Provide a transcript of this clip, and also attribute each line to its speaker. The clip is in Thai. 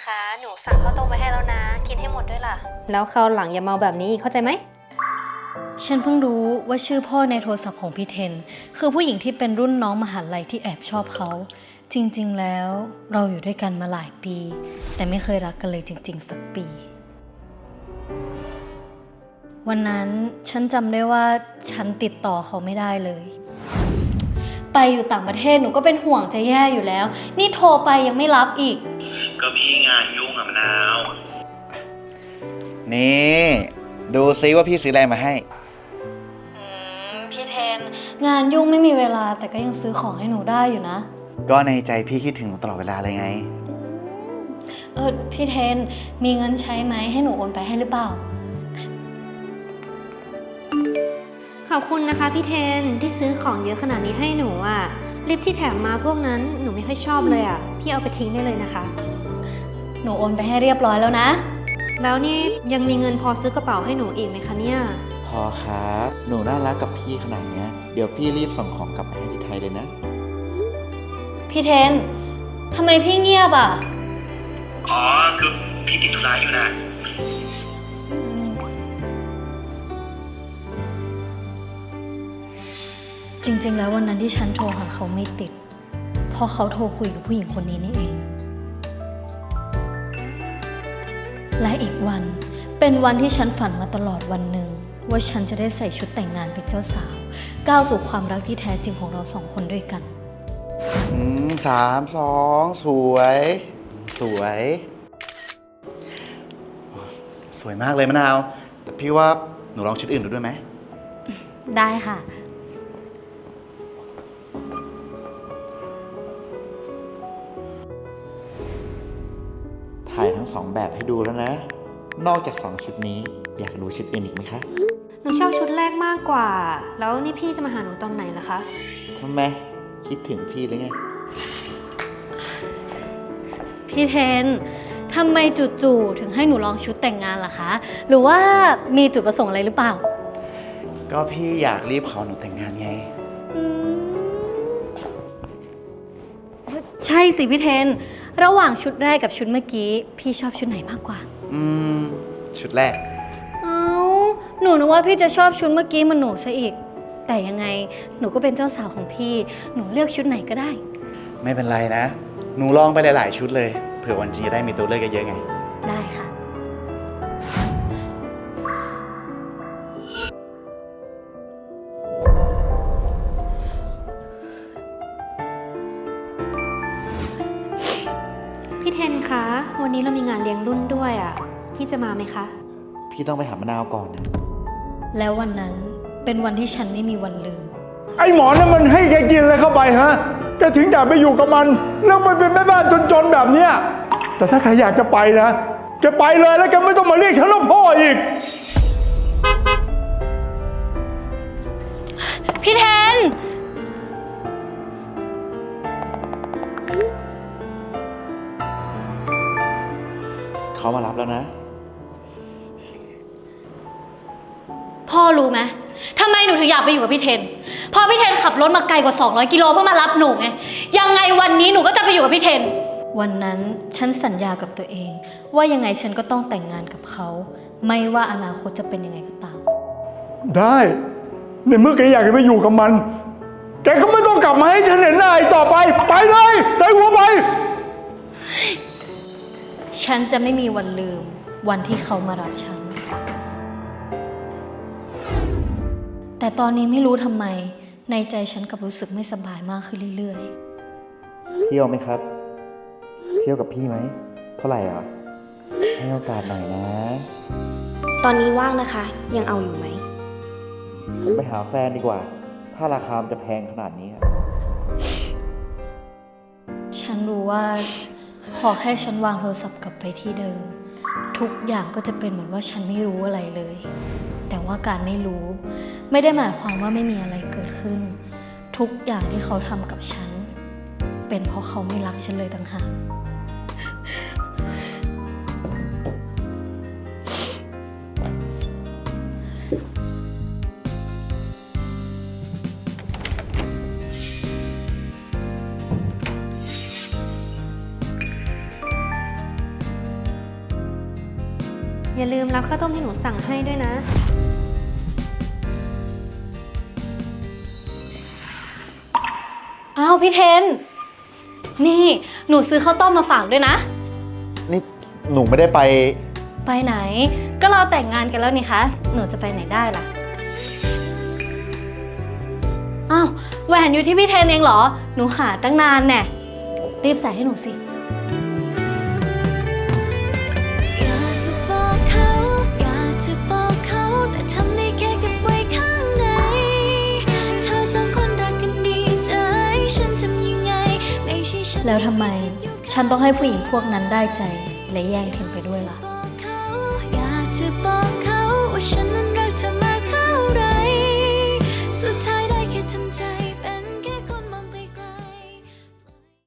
Speaker 1: คะหนูสั่งข้าวต้มไว้ให้แล้วนะกินให้หมดด้วยล่ะแล้วคราวหลังอย่าเมาแบบนี้เข้าใจไหม
Speaker 2: ฉันเพิ่งรู้ว่าชื่อพ่อในโทรศัพท์ของพี่เทนคือผู้หญิงที่เป็นรุ่นน้องมหาลัยที่แอบชอบเขาจริงๆแล้วเราอยู่ด้วยกันมาหลายปีแต่ไม่เคยรักกันเลยจริงๆสักปีวันนั้นฉันจำได้ว่าฉันติดต่อเขาไม่ได้เลยไปอยู่ต่างประเทศหนูก็เป็นห่วงจะแย่อยู่แล้วนี่โทรไปยังไม่รับอีก
Speaker 3: ก็พี่งานยุ่งอะมะนาว
Speaker 4: นี่ดูซิว่าพี่ซื้ออะไรมาให้
Speaker 2: พี่เทนงานยุ่งไม่มีเวลาแต่ก็ยังซื้อของให้หนูได้อยู่นะ
Speaker 4: ก็ในใจพี่คิดถึงตลอดเวลาเลยไง
Speaker 2: พี่เทนมีเงินใช้ไหมให้หนูโอนไปให้หรือเปล่า
Speaker 1: ขอบคุณนะคะพี่เทนที่ซื้อของเยอะขนาดนี้ให้หนูอ่ะลิปที่แถมมาพวกนั้นหนูไม่ค่อยชอบเลยอ่ะพี่เอาไปทิ้งได้เลยนะคะ
Speaker 2: หนูโอนไปให้เรียบร้อยแล้วนะ
Speaker 1: แล้วนี่ยังมีเงินพอซื้อกระเป๋าให้หนูอีกไหมคะเนี่ย
Speaker 4: พอครับหนูน่ารักกับพี่ขนาดนี้เดี๋ยวพี่รีบส่งของกลับไปให้ที่ไทยเลยนะ
Speaker 2: พี่เทนทำไมพี่เงียบอ่ะ
Speaker 3: อ๋อคือพี่ติดธุระอยู่นะ
Speaker 2: จริงๆแล้ววันนั้นที่ฉันโทรหาเขาไม่ติดเพราะเขาโทรคุยกับผู้หญิงคนนี้นี่เองและอีกวันเป็นวันที่ฉันฝันมาตลอดวันหนึ่งว่าฉันจะได้ใส่ชุดแต่งงานเป็นเจ้าสาวก้าวสู่ความรักที่แท้จริงของเราสองคนด้วยกัน
Speaker 4: 3 2สวยสวยสวยมากเลยมะนาวแต่พี่ว่าหนูลองชุดอื่นดูด้วยไหม
Speaker 2: ได้ค่ะ
Speaker 4: ถ่ายทั้ง2แบบให้ดูแล้วนะนอกจาก2ชุดนี้อยากดูชุดอื่นอีกไหมคะ
Speaker 1: หนูชอบชุดแรกมากกว่าแล้วนี่พี่จะมาหาหนูตอนไหนล่ะคะ
Speaker 4: ทำไมคิดถึงพี่หรือไง
Speaker 2: พี่เทนทำไมจู่ๆถึงให้หนูลองชุดแต่งงานล่ะคะหรือว่ามีจุดประสงค์อะไรหรือเปล่า
Speaker 4: ก็พี่อยากรีบขอหนูแต่งงานไง
Speaker 2: ใช่สิพี่เทนระหว่างชุดแรกกับชุดเมื่อกี้พี่ชอบชุดไหนมากกว่า
Speaker 4: ชุดแรก
Speaker 2: หนูนึกว่าพี่จะชอบชุดเมื่อกี้มันหนูซะอีกแต่ยังไงหนูก็เป็นเจ้าสาวของพี่หนูเลือกชุดไหนก็ได้
Speaker 4: ไม่เป็นไรนะหนูลองไปหลายๆชุดเลยเผื่อวันจริงจะได้มีตัวเลือกเยอะๆไง
Speaker 2: ได้ค่ะ
Speaker 1: พี่เทนคะวันนี้เรามีงานเลี้ยงรุ่นด้วยอ่ะพี่จะมาไหมคะ
Speaker 4: พี่ต้องไปหามะนาวก่อนนะ
Speaker 2: แล้ววันนั้นเป็นวันที่ฉันไม่มีวันลืม
Speaker 5: ไอ้หมอนั่นมันให้แกกินอะไรเข้าไปฮะแกถึงอยากไปอยู่กับมันแล้วมันเป็นแม่บ้านจนๆแบบเนี้ยแต่ถ้าใครอยากจะไปนะแกไปเลยแล้วแกไม่ต้องมาเรียกฉันว่าพ่ออีก
Speaker 2: พี่เทน
Speaker 4: เขามารับแล้วนะ
Speaker 2: พ่อรู้ไหมทำไมหนูถึงอยากไปอยู่กับพี่เทนเพราะพี่เทนขับรถมาไกลกว่า200 กิโลเพื่อมารับหนูไงยังไงวันนี้หนูก็จะไปอยู่กับพี่เทนวันนั้นฉันสัญญากับตัวเองว่ายังไงฉันก็ต้องแต่งงานกับเขาไม่ว่าอนาคตจะเป็นยังไงก็ตาม
Speaker 5: ได้ในเมื่อแกอยากจะไปอยู่กับมันแกก็ไม่ต้องกลับมาให้ฉันเห็นหน้าอีกต่อไปไปเลยใส่หัวไป
Speaker 2: ฉันจะไม่มีวันลืมวันที่เขามารับฉันแต่ตอนนี้ไม่รู้ทำไมในใจฉันกลับรู้สึกไม่สบายมากขึ้นเรื่อย
Speaker 4: ๆเที่ยวไหมครับเที่ยวกับพี่ไหมเท่าไหร่อ่ะให้โอกาสหน่อยนะ
Speaker 1: ตอนนี้ว่างนะคะยังเอาอยู่ไหม
Speaker 4: ไปหาแฟนดีกว่าถ้าราคาจะแพงขนาดนี้
Speaker 2: ฉันรู้ว่าขอแค่ฉันวางโทรศัพท์กลับไปที่เดิมทุกอย่างก็จะเป็นเหมือนว่าฉันไม่รู้อะไรเลยแต่ว่าการไม่รู้ไม่ได้หมายความว่าไม่มีอะไรเกิดขึ้นทุกอย่างที่เขาทำกับฉันเป็นเพราะเขาไม่รักฉันเลยต่างหาก
Speaker 1: ลืมรับข้าวต้มที่หนูสั่งให้ด้วยนะ
Speaker 2: อ้าวพี่เทน นี่หนูซื้อข้าวต้มมาฝากด้วยนะ
Speaker 4: นี่หนูไม่ได้ไป
Speaker 2: ไปไหน ก็เราแต่งงานกันแล้วนี่คะ หนูจะไปไหนได้ล่ะ อ้าวแหวนอยู่ที่พี่เทนเองเหรอ หนูหาตั้งนานแน่รีบใส่ให้หนูสิ
Speaker 6: อยากจะบอกเขา อยากจะบอกเขา แต่ทำได้แค่เก็บไว้ข้างใน เธอสองคนรักกันดีใจ ฉันทำยังไง ไม่ใช่ฉัน
Speaker 2: แล้วทำไม ฉันต้องให้ผู้หญิงพวกนั้นได้ใจ และแย่งเทนไปด้วยล่ะ
Speaker 6: อยากจะบอกเขาว่าฉันนั้น